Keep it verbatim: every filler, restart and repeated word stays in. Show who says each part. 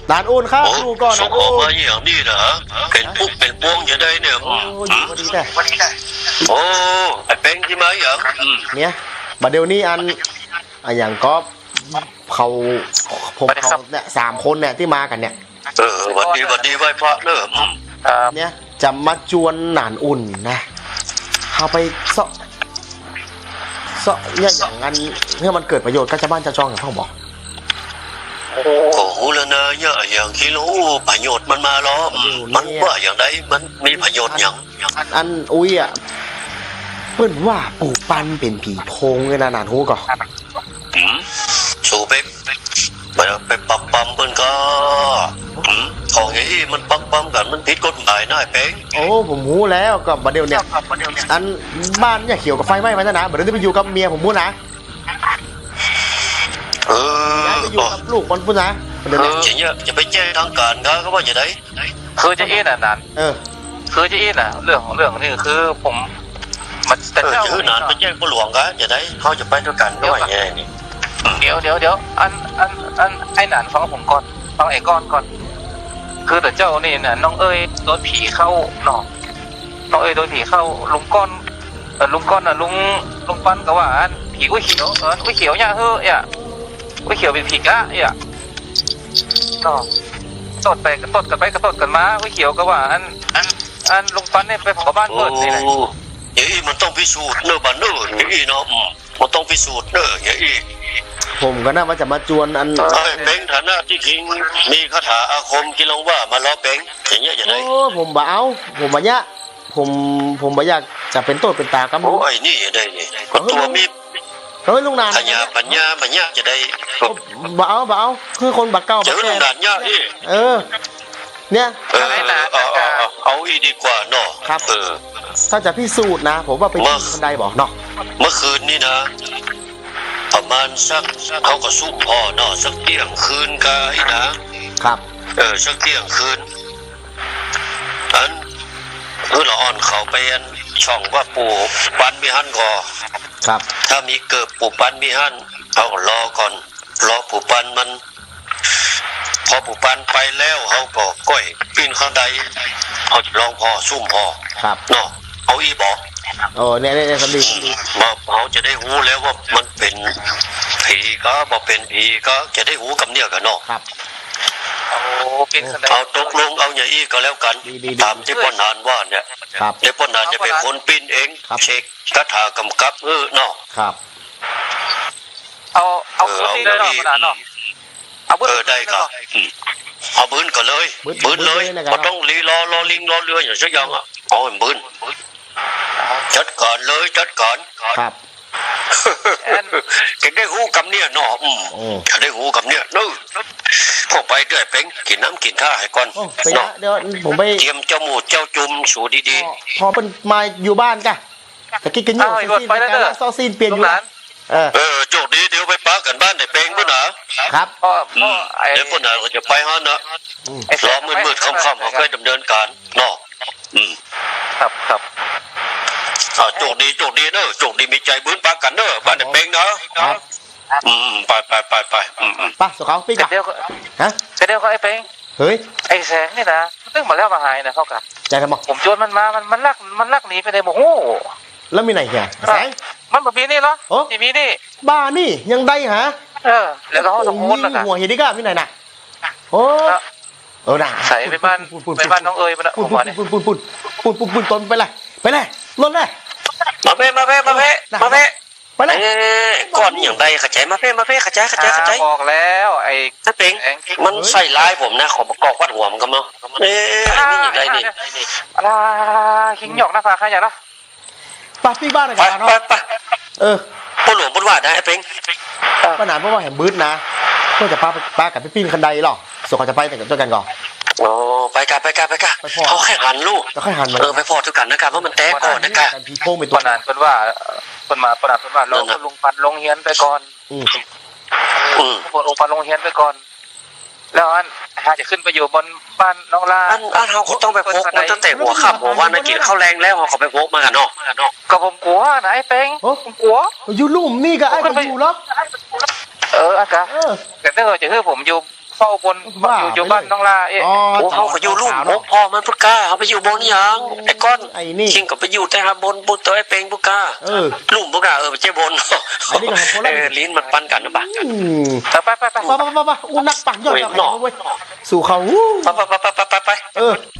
Speaker 1: นานอุ่นครับดูก่อน
Speaker 2: ส่
Speaker 1: นาง น
Speaker 2: ออก
Speaker 1: อุ่น
Speaker 2: มาอย่างนี้เหรอเป็นปุ๊กเป็นพวงอย่างไรเนี่ย
Speaker 1: โอ้อยู่พอดีแต่
Speaker 2: โอ้ไอ้เป็งที่มาอย่าง
Speaker 1: เนี่ยบัดเดี๋ยวนี้อันอันอย่างก็เขาผมเขาเนี่ยสามคนเนี่ยที่มากันเนี่ย
Speaker 2: เออวันดีวันดีไหว้พระเนอะ
Speaker 1: เนี่ยจะมาจวนหนานอุ่นนะเอาไปเสาะเสาะเนี่ยอย่างนั้นเพื่อมันเกิดประโยชน์ก็จะบ้านจะจองอย่างพ่อบอก
Speaker 2: โอ้โหแล้วนะเนี่ยอย่างที่รู้ประโยชน์มันมาล้อมมันว่าอย่างไรมันมีประโยชน์อย่าง
Speaker 1: อันอุ้ยอ่ะเปิ้นว่าปู่ปันเป็นผีโพงเลยนะนานหูก่อน
Speaker 2: สู่ไปไปไปปักปั๊มเพิ่นก็ของอย่างนี้มันปักปั๊มกันมันผิดกฎหมายนะไอ้เป็ง
Speaker 1: โอ้ผมหูแล้วก็บัดเดี๋ยวเนี่ยอันบ้านเนี่ยเขียวกับไฟไหม้มาแล้วนะบัดเดี๋ยวไปอยู่กับเมียผมพูดนะ
Speaker 2: เออ
Speaker 1: ย้ายไปอยู่กับลูกคนพูดนะบัดเดี๋ยว
Speaker 2: เอ
Speaker 1: เนี่ย
Speaker 2: อจะไปแจ้งทางการเขาก็ว่าอย่างไร
Speaker 3: คือจะอินอ่ะนั้น
Speaker 1: เออ
Speaker 3: คือจะอินอ่ะเรื่องของเรื่องนี่คือผมมันแต่
Speaker 2: เออ
Speaker 3: เจ้า
Speaker 2: จะนานไปแจ้งผู้หลวงก็อย่างไรเขาจะไปด้วยกันก็ว่าอย่างนี้
Speaker 3: เดี๋ยวเดี๋ยวเดี๋ยวอันอันอันไอ้หนานฟังผมก่อนฟังไอ้ก้อนก่อนคือแต่เจ้านี่น่ะน้องเอ้ยโดนผีเข้าเนาะน้องเอ้ยโดนผีเข้าลุงก้อนเออลุงก้อนน่ะลุงลุงปั้นก็ว่าอันผีอุ้ยเขียวเอออุ้ยเขียวเนี่ยเฮ้ยอ่ะอุ้ยเขียวเป็นผีกะอ่ะเนาะตดไปกระตดกันไปกระตดกันมาอุ้ยเขียวก็ว่าอันอันอันลุงปั้นเนี่ยไปเผาบ้าน
Speaker 2: โอ้
Speaker 3: เปิดนี่แหละ
Speaker 2: อย่างนี้มันต้องพิสูจน์เนอะบ้านเนอะอย่างนี้เนาะมันต้องพิสูจน์เนอะอย่างนี้
Speaker 1: ผมก็น่าว่าจะมาจวนอัน
Speaker 2: ไอ้เป็งฐานะที่คิงมีคาถาอาคมกิลงว่ามาล้อเป็งอย่างเงี้ยอย่างไร
Speaker 1: โอ้ผมบ่เอาผมบ่ยะผมผมบ่อยากจะเป็นโต้เป็นตากับ
Speaker 2: โอ้ไอ้นี่ได้นี่ก็ตัวมี
Speaker 1: เฮ้ยลุงนาน
Speaker 2: ปัญญาปัญญาปัญญาจะได้
Speaker 1: บ่เอาบ่เอาคือคนบักเก้า
Speaker 2: เจ
Speaker 1: บั
Speaker 2: อก ลุ
Speaker 1: แก่
Speaker 2: งด่านยาอี
Speaker 1: เออ เนี่ย
Speaker 2: เออเอาเอาเอาเอาอีดีกว่าเนาะเออ
Speaker 1: ถ้าจะพิสูจน์นะ ผมว่าไปที่บันไดบอกเนาะ
Speaker 2: เมื่อคืนนี่นะ ประมาณสักเขาก็ซุ่มพ่อเนาะสักเที่ยงคืนกายนะครับ เออสักเที่ยงคืนอันเออละอ่อนเขาไปอันช่องว่าปู่ปันมีหันก่อ
Speaker 1: ครับ
Speaker 2: ถ้ามีเกิดปู่ปันมีหันเขาก็รอก่อนรอปู่ปันมัน พอปู่ปันไปแล้วเขาก็ก้อยปีนข้างใดเขาจะลองพอซุ่มพอ
Speaker 1: ครับ
Speaker 2: เนาะเอาอีบอก
Speaker 1: โอ้เนี่ยเนี่ยสำลีสำลี
Speaker 2: มาเขาจะได้รู้แล้วว่ามันเป็นผีก็บอกเป็นผีก็จะได้รู้กับเนี่ยกันเนาะ
Speaker 1: ครับ
Speaker 3: โอ้เป็นขนาด
Speaker 2: เอาตกลงเอาอย่างอี้ก็แล้วกัน ตามที่พ่อนานว่าเนี่ย
Speaker 1: ครับ
Speaker 2: เดี๋ยวพ่อนานจะเป็นคนปิ้นเอง
Speaker 1: ครับ
Speaker 2: เช็คคาถากำกับเออเนาะ
Speaker 1: ครับ
Speaker 3: เอาเอาพื้นที่เลยเนาะขนาดเนาะเอาพื้น
Speaker 2: เออได้ก็อืมเอาบืนก็เลย
Speaker 1: บึ้น
Speaker 2: บืนเลย
Speaker 1: บึ้นเลยนะครับ
Speaker 2: ก็ต้องรีรอรอลิงรอเรืออย่างสักอย่างอ่ะเอาให้บืนจัดการเลยจัดการ
Speaker 1: ครับ
Speaker 2: จะได้หูกับเนี่ยเนาะอืม
Speaker 1: โอ้
Speaker 2: จะได้หูกับเนี่ยนู้พวกไปเดือยเป็งกินน้ำกินท่าให้ก่อน
Speaker 1: โอ้ไปนะเดี๋ยวผมไป
Speaker 2: เตรียมเจ้าหมูเจ้าจุ่มสูดี
Speaker 1: พอพอเป็นมาอยู่บ้านกะแต่กินกันอยู่ซีซีนไปแล้วซอซีนเปลี่ยนอยู่
Speaker 3: ร้า
Speaker 1: นะ
Speaker 3: น
Speaker 1: เออ
Speaker 2: ๆเออโชคดีเดี๋ยวไปปะกันบ้านในเป็งด้วยนะครับ
Speaker 3: ก็ก็ไอ้
Speaker 2: เดี๋ยวพวกนั้นก็จะไปฮะนะ
Speaker 3: ไอ้
Speaker 2: รอมืดๆค่ำๆเขาค่อยดำเนินการเนาะอืม
Speaker 3: ครับครับ
Speaker 2: อ่าโชคดีโชคดีเนอะโชคดีมีใจบื้นปะกันเนอะบ้านในเป็งนะครับ อืมไปไปไปไปอืมอืม
Speaker 1: ไป่ะสุเขาพี่กะ
Speaker 3: เดี๋ยวก็
Speaker 1: ฮะ
Speaker 3: เดี๋ยวก็ไอ้เป้ง
Speaker 1: เฮ้ย
Speaker 3: ไอ้แสงนี่นะตึ้งมาแล้วมาหายนะเขากะ
Speaker 1: ใจทำบอก
Speaker 3: ผมโจรมันมามันมันลักมันลักหนีไปเลยโมโห
Speaker 1: แล้วมีไหนเหียแสง
Speaker 3: มันแบบนี้เหรอ
Speaker 1: โอ้
Speaker 3: ที่มีนี่
Speaker 1: บ้านี่ยังได้ฮะ
Speaker 3: เออแล้วก็เขาสมมุติแล้ว
Speaker 1: ยิ
Speaker 3: กัน
Speaker 1: งหัวเฮดิก้าพี่ไหนน่ะโอ้เออน่ะ
Speaker 3: ใส่ไปบ้านไปบ้านน้องเอ๋ยมัน
Speaker 1: ปุ่
Speaker 3: ผ
Speaker 1: น
Speaker 3: มว่าเนี่ย
Speaker 1: ปุ่นปุ่นปุ่นปุ่นปุ่นปุ่นต้นไปเลยไปเลยลนเลย
Speaker 2: มาเพ่มาเพ่มาเพ่มาเพ่
Speaker 1: ไปเลย
Speaker 2: เอ้ก่อนอย่างใดขจายมาเพ่มาเพ่ขจายขจายขจาย
Speaker 3: บอกแล้วไอ้
Speaker 2: ถ้าเป็งมันใส่ร้ายผมนะขอประกอบวัดหัวมันกันเนาะเอ๊ะอันนี้อย่างไรนี่
Speaker 3: อะไรหิงหยอกหน้าผาใครอย่างละ
Speaker 1: ปาพี่บ้านอะไร
Speaker 2: ไป
Speaker 1: กัน
Speaker 2: ไป
Speaker 1: เนาะ
Speaker 2: ไป
Speaker 1: เออ
Speaker 2: พ่อหลวงพ่อว่าได้ไอ้เป็ง
Speaker 1: ปัญหาเพราะว่าแหมบืดนะเพื่อจะป้าป้ากับพี่ปิ้นคันใดหรอส่วนเขาจะไปแต่งกับเจ้ากันก่อน
Speaker 2: โอ้ไปกันไปกันไปกันเขาแค่หันลูก
Speaker 1: แล้วค่อยหันมา
Speaker 2: เออไปพอทุกกันนะครับเพราะมันแตกก่อนนะค
Speaker 1: กั
Speaker 2: รับ
Speaker 1: นพีโค้งไป
Speaker 3: ค
Speaker 1: ตัวน
Speaker 3: นั้นเป็นว่าคนมาคนนั้นเป็นว่าลงลงปันลงเฮียนไปก่อน
Speaker 1: อืม
Speaker 2: อืม
Speaker 3: ลงปันลงเฮียนไปก่อน แล้วอันหาจะขึ้นไปอยู่บนบ้านน้องลา
Speaker 2: อันอันเขาต้องไปพกมันตั้งแต่หัวค่ำหัววันนักกินข้าวแรงแล้วเขาไปพกมากันเนาะ
Speaker 3: ก็ผมกลัวนะไอ้เป้งผมกลัว
Speaker 1: อยู่ลุ่มนี่ก็ไอ้คนอยู่หรอก
Speaker 3: เอออากา
Speaker 1: เออ
Speaker 3: แต่ถ้าเกิดจะให้ผมอยู่เฝ้าบน
Speaker 1: ว่า
Speaker 3: อยู่อยู่บ้านน้องลาเอ๊ะ
Speaker 1: อ๋อ
Speaker 2: โอ้เขาก็อยู่ลูกหกพ่อมันพุกล้าเขาไปอยู่บนยังไอ้ก้อน
Speaker 1: ไอ้นี่
Speaker 2: ชิงก็ไปอยู่แต่หาบนบุตรตัวไอ้เป็งพุกล้า
Speaker 1: เออ
Speaker 2: ลุ่มพุกล้าเออไปเจ้บน
Speaker 1: ไอ้นี่ก็ของคนละ
Speaker 2: เออลิ้นมันปั้นกันนะบ้า
Speaker 1: อืม
Speaker 3: ไปไปไปไป
Speaker 1: ไปไปไปไปอู้นักปั่นยอดจากไหนเว้ยสู่เขาอู้
Speaker 2: ไปไปไปไปไปไป
Speaker 1: เออ